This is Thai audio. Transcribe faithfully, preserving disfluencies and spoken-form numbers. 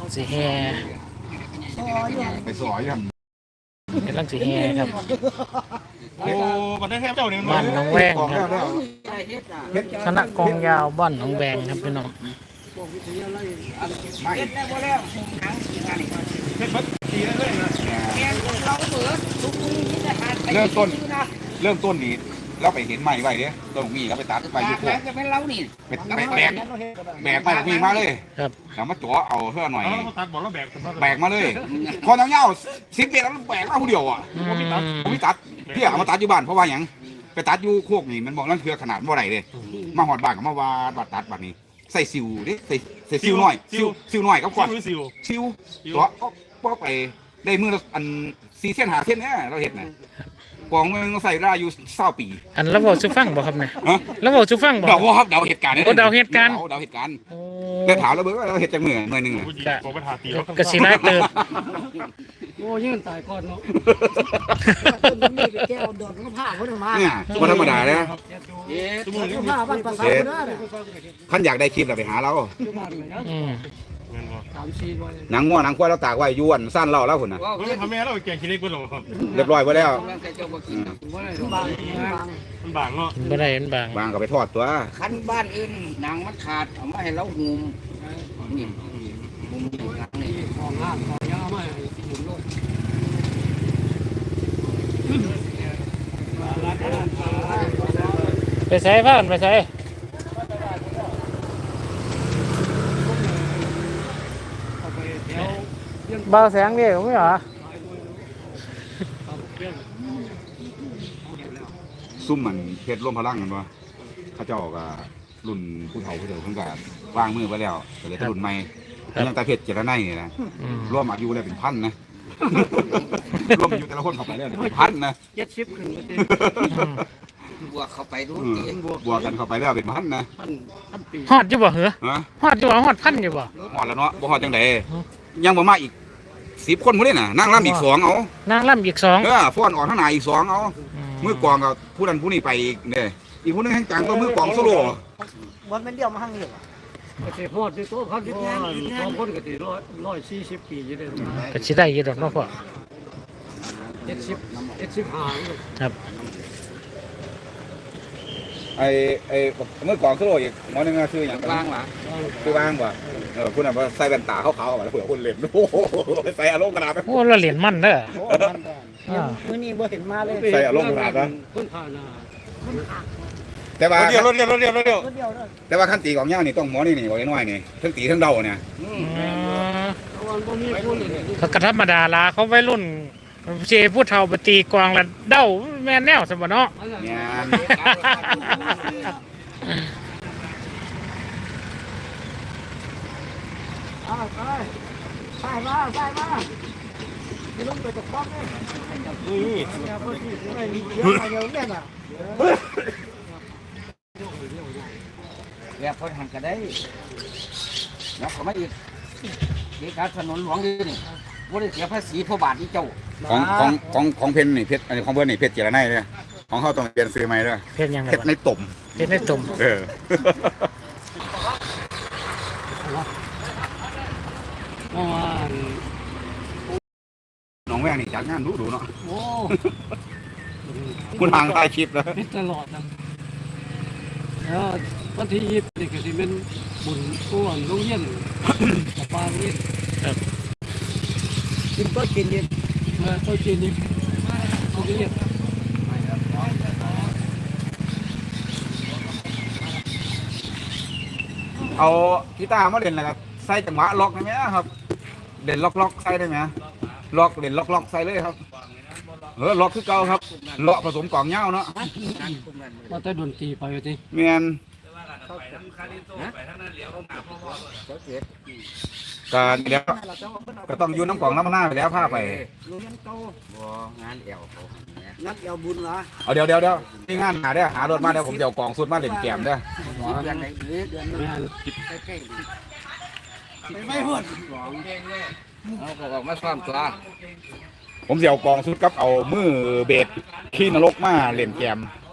สีแฮไปสอยยันกำลังสีแฮครับโอ้มันได้แค่เจ้าเนี่ยบ้านน้องแวงของคแล้รัวบแล้วคณะกองยาวบ้านน้องแวงครับพี่น้องไม่ เริ่มต้นเริ่มต้นนี้เราไปเห็นใหม่ไว้เด้ต้นมีเราไปตัดไปยุคพวกจะเป็นเรานี่ไปแบกแบกแบกไปมีมาเลยครับแล้วมาจ่อเอาเพื่อหน่อยเราตัดบอกแล้วแบกแบกมาเลยพอเงาๆสิบเมตรแล้วแบกมาผู้เดียวอ่ะอืมผมไม่ตัดพี่เอามาตัดอยู่บ้านเพราะว่าอย่างไปตัดอยู่โคกนี่มันบอกนั่นคือขนาดเมื่อไหร่เลยมาหอดบ้านก็มาวาดบัดตัดบัดนี้ใส่ซิวดิใส่ใส่ซิวหน่อยซิวซิวหน่อยก็ก่อนซิวซิวตัวก็ก็ไปได้มืออันซีเส้นหาเส้นเนี่ยเราเห็นนะกองมันต้องใส่ได้อยู่เศร้าปีอันแล้วบอกสุฟังบ่ครับเนี่ยฮะแล้วบอกสุฟังบ่เดาว่าครับเดาเหตุการณ์โอ้เดาเหตุการณ์เดาเหตุการณ์โอ้ได้ถามแล้วเบิร์ดว่าเราเหตุจากเมื่อเมื่อหนึ่งอะผู้หญิงบอกไปทาตีแล้วกระสีร้ายเติบโอ้ยื่นตายก่อนเนาะต้นนี้ไปแก้วดอกมะพร้าวเขาถึงมาเนี่ยวันธรรมดานะเอ๊ะมะพร้าวบ้านภาษาคนนั้นท่านอยากได้คลิปเราไปหาเราอืมสามสี่วันหนังง้อหนังควายเราตากไว้ยวนสั้นเราแล้วคนน่ะเฮ้ยทำแม่เราแกงขี้เล็กไปหรอเรียบร้อยไปแล้วบางมันบางเนาะบ่ได้มันบางวางก็ไปทอดตัวคันบ้านอื่นนางมันขาดเอามาให้เราหุมนี่หุมอยู่หลังนี่ของห้ามของยามาหุมโลกไปใส่ผ้ากันไปใส่เบาแสงดิไม่เหรอซุ่มมันเพชรร่วมพลังกันวะเขาเจ้าก็รุ่นผู้เฒ่าผู้เฒ่าเพิ่งก็วางมือไปแล้วก็เลยรุ่นใหม่ยังแต่เพชรเจรไนนี่นะอืมร่วมอายุเลยเป็นพันนะ ร่วมอายุแต่ละคนเข้าไปแล้วเป็นพันนะเจ็ดสิบขึ้นบวกเข้าไปดูอืมเองบวกบวกกันเข้าไปแล้วเป็นพันนะพันพันปีฮอดอยู่บ่เหรอฮะฮอดอยู่บ่ฮอดพันอยู่บ่หอดแล้วเนาะบ่หอดจังไดยังบ่มาอีกสิบคนพุ่นนี่น่ะนั่งร่ำอีกสองเอานางล่ำอีกสองเออฟ้อนออกข้างหน้าอีกสองเอามือกลองกับผู้นั้นผู้นี้ไปอีกเนี่ยอีกผู้นึงแห่งจังก็มือกลองโซโล่วันเป็นเดียวมาหั่งเลยก็สิฮอดที่โตเขาสิงานสองคนก็สิร้อยร้อยสี่สิบปีอยู่ได้ก็สิได้อยู่ดอกเนาะพ่อเจ็ดสิบเจ็ดสิบห้าครับไอ้ไอ้มือกลองโซโล่อีกหมอนึงอะชื่อหยังล่างหรอคือว่างบ่เออผู้นั้นว่าใส่แว่นตาขาวๆแล้วเผื่อคนเล่นโอ้โหใส่อารมณ์กระดาษไปโอ้เราเหรียญมันเด้อโอ้มันได้มื้อนี้บ่เห็นมาเลยใส่อารมณ์กระดาษนะคนผ่านหน้าแต่ว่าเดียวรถเดียวรถเดียวรถเดียวคนเดียวเด้อแต่ว่าขั้นตีของย่านี่ต้องหมอนี่นี่บอกน้อยนี่ทั้งตีทั้งเดาเนี่ยอืมอืมเพราะว่าบ่มีคนเลยเขาก็ธรรมดาละเขาไว้รุ่นเจผู้เฒ่าไปตีกวางละเด้าแม่นแนวสมบัติเนาะเนี่ยอ้าวไปไปมาไปมาไปลงไปตะคอกเลยนี่อย่าเพิ่นสิไม่มีเยอะมาเยอะแน่น่ะแล้วเพิ่นหันก็ได้แล้วก็มาอีกเด็กการถนนหลวงอยู่นี่บ่ได้เสียภาษีพ่อบาทนี่เจ้าของของของของเพนนี่เพชรอันนี้ของเพื่อนนี่เพชรเจรไนเลยของเขาต้องเปลี่ยนซื้อใหม่เลยเพชรยังไงเพชรในตุ่มเพชรในตุ่มเออเมื่อวานน้องแม่นี่จัดงานดูดูเนาะโอ้คุณทางใต้คลิปแล้วเป็นตลอดนะแล้ววันที่ยี่สิบนี่ก็สิเป็นบุญก้วนโรงเรียนกับปลาเรียนครับกินก็กินเย็นเออก็กินนี่โรงเรียนเอากีตาร์มาเล่นแล้วก็ใส่จังหวะล็อกได้ไหมครับเล่นล็อกล็อกใส่ได้ไหมล็อกเล่นล็อกล็อกใส่เลยครับเออล็อกคือเก่าครับเลาะผสมกล่องเงาเนาะว่าแต่ดนตรีไปว่าติเมียนก็นี่แล้วก็ต้องอยู่น้ำกล่องน้ำมันหน้าไปแล้วผ้าไปโรงเรียนเก่าบ่งานแอวเขางานแอวบุญเหรอเอาเดี๋ยวเดี๋ยวเดี๋ยวนี่งานหาได้อหารถมาเดี๋ยวผมเดี๋ยวกล่องสุดมาเล่นแกมเด้อเดือนไหนหรือเดือนนึงใกล้ๆไม่พูดเอาก็ออกมาซ้อมตัวผมเสียวกองสุดกับเอามือเบสขี้นรกมาเล่นแกมเ